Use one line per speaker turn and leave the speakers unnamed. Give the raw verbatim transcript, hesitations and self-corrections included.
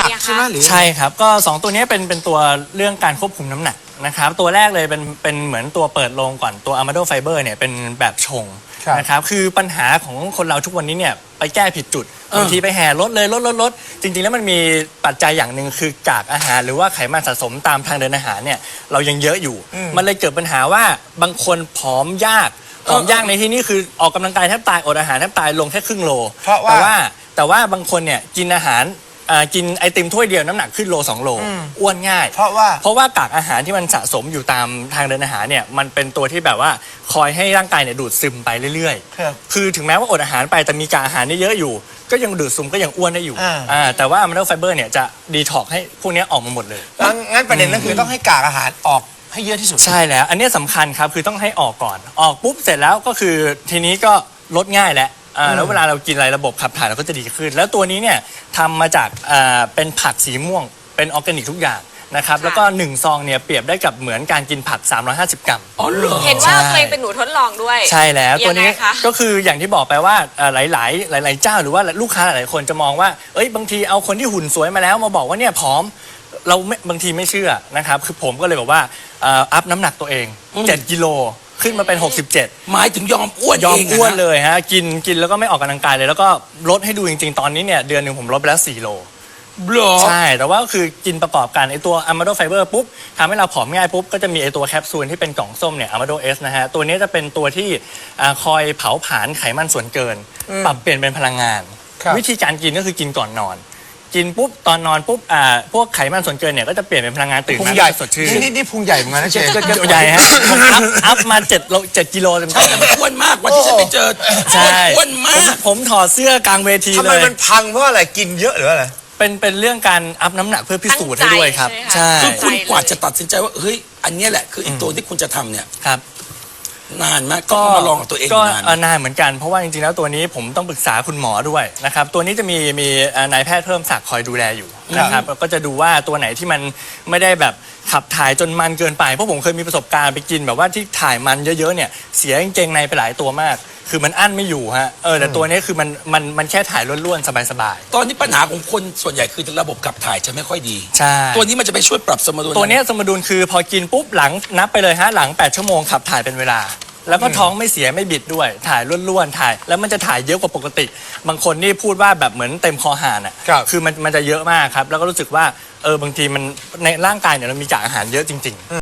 ผักใช่ไหมหรือใช่ครับก็สองตัวนี้เป็นเป็นตัวเรื่องการควบคุมน้ำหนักนะครับตัวแรกเลยเป็นเป็นเหมือนตัวเปิดโลงก่อนตัว Amado Fiber เนี่ยเป็นแบบชงนะครับคือปัญหาของคนเราทุกวันนี้เนี่ยไปแก้ผิดจุดบางทีไปแห่ลดเลยลดลดลดจริงๆแล้วมันมีปัจจัยอย่างหนึ่งคือกากอาหารหรือว่าไขมันสะสมตามทางเดินอาหารเนี่ยเรายังเยอะอยู่มันเลยเกิดปัญหาว่าบางคนผอมยากผอมยากในที่นี้คือออกกำลังกายแทบตายอดอาหารแทบตายลงแค่ครึ่งโลแต่ว่าแต่ว่าบางคนเนี่ยกินอาหารกินไอติมถ้วยเดียวน้ำหนักขึ้นโลสองโลอ้วนง่ายเพราะว่าเพราะว่ากากอาหารที่มันสะสมอยู่ตามทางเดินอาหารเนี่ยมันเป็นตัวที่แบบว่าคอยให้ร่างกายเนี่ยดูดซึมไปเรื่อยๆคือถึงแม้ว่าอดอาหารไปแต่มีกากอาหารเยอะอยู่ก็ยังดูดซึมก็ยังอ้วนได้อยู่แต่ว่า Amado Fiber เนี่ยจะดีท็อกให้พวกนี้ออกมาหมดเลย
งั้นประเด็นก็คือต้องให้กากอาหารออกให้เยอะที่สุด
ใช่แล้วอันนี้สำคัญครับคือต้องให้ออกก่อนออกปุ๊บเสร็จแล้วก็คือทีนี้ก็ลดง่ายแล้วแล้วเวลาเรากินอะไรระบบขับถ่ายเราก็จะดีขึ้นแล้วตัวนี้เนี่ยทำมาจากเป็นผักสีม่วงเป็นออร์แกนิกทุกอย่างนะครับแล้วก็หนึ่งซองเนี่ยเปรียบได้กับเหมือนการกินผักสามร้อยห้าสิบกรัม
อ๋อเหรอ
เห็นว่าตัวเองเป็นหนูทดลองด้วย
ใช่แล้วตัวนี้ก็คืออย่างที่บอกไปว่าหลายๆหลายๆเจ้าหรือว่าลูกค้าหลายๆคนจะมองว่าเอ้ยบางทีเอาคนที่หุ่นสวยมาแล้วมาบอกว่าเนี่ยผอมเราบางทีไม่เชื่อนะครับคือผมก็เลยบอกว่าอัพน้ำหนักตัวเองเจ็ดกิโลขึ้นมาเป็นหกสิบเจ็ด
หมายถึงยอมอ้วน
ยอมอ้วนเลยฮะกินกินแล้วก็ไม่ออกกำลังกายเลยแล้วก็ลดให้ดูจริงๆตอนนี้เนี่ยเดือนหนึ่งผมลดไปแล้วสี่โลใช่แต่ว่าคือกินประกอบกันไอตัว Amado Fiber ปุ๊บทำให้เราผอมง่ายปุ๊บก็จะมีไอตัวแคปซูลที่เป็นกล่องส้มเนี่ย Amado S นะฮะตัวนี้จะเป็นตัวที่คอยเผาผลาญไขมันส่วนเกินปรับเปลี่ยนเป็นพลังงานวิธีการกินก็คือกินก่อนนอนกินปุ๊บตอนนอนปุ๊บอ่าพวกไขมันส่วนเกินเนี่ยก็จะเปลี่ยนเป็นพลังงานตื่นมาสดชื่น
นี่นี่พุงใหญ่เหมือนกันนะเชฟ
ใหญ่ฮะอัพอัพมาเจ็ดโลเจ็ดกิโลเต็มๆ
แต่มันอ้วนมากวันที่ฉันไปเจอ
ใช่
อ้วนมาก
ผมถอดเสื้อกลางเวทีเลยทำไม
มันพังเพราะอะไรกินเยอะหรืออะไร
เป็นเป็นเรื่องการอัพน้ำหนักเพื่อพิสูจน์ให้ด้วยครับ
ใช่คือคุณกว่าจะตัดสินใจว่าเฮ้ยอันนี้แหละคืออีกตัวที่คุณจะทำเนี่ย
ครับ
นานมากก็มาลองกับตัวเอง
ก็นานเหมือนกันเพราะว่าจริงๆแล้วตัวนี้ผมต้องปรึกษาคุณหมอด้วยนะครับตัวนี้จะมีมีนายแพทย์เพิ่มศักดิ์คอยดูแลอยู่นะครับก็จะดูว่าตัวไหนที่มันไม่ได้แบบขับถ่ายจนมันเกินไปเพราะผมเคยมีประสบการณ์ไปกินแบบว่าที่ถ่ายมันเยอะๆเนี่ยเสียกางเกงในไปหลายตัวมากคือมันอั้นไม่อยู่ฮะเออแต่ตัวนี้คือมันมันมันแค่ถ่ายล้วนๆสบาย
ๆตอนนี้ปัญหาของคนส่วนใหญ่คือระบบขับถ่ายจะไม่ค่อยดี
ใช่
ตัวนี้มันจะไปช่วยปรับสมดุล
ตัวนี้สมดุลคือพอกินปุ๊บหลังนับไปเลยฮะหลังแปดชั่วโมงขับถ่ายเป็นเวลาแล้วก็ท้องไม่เสียไม่บิดด้วยถ่ายล้วนๆถ่ายแล้วมันจะถ่ายเยอะกว่าปกติบางคนนี่พูดว่าแบบเหมือนเต็มคอหานอ่ะคือมันมันจะเยอะมากครับแล้วก็รู้สึกว่าเออบางทีมันในร่างกายเนี่ยเรามีกากอาหารเยอะจริงๆ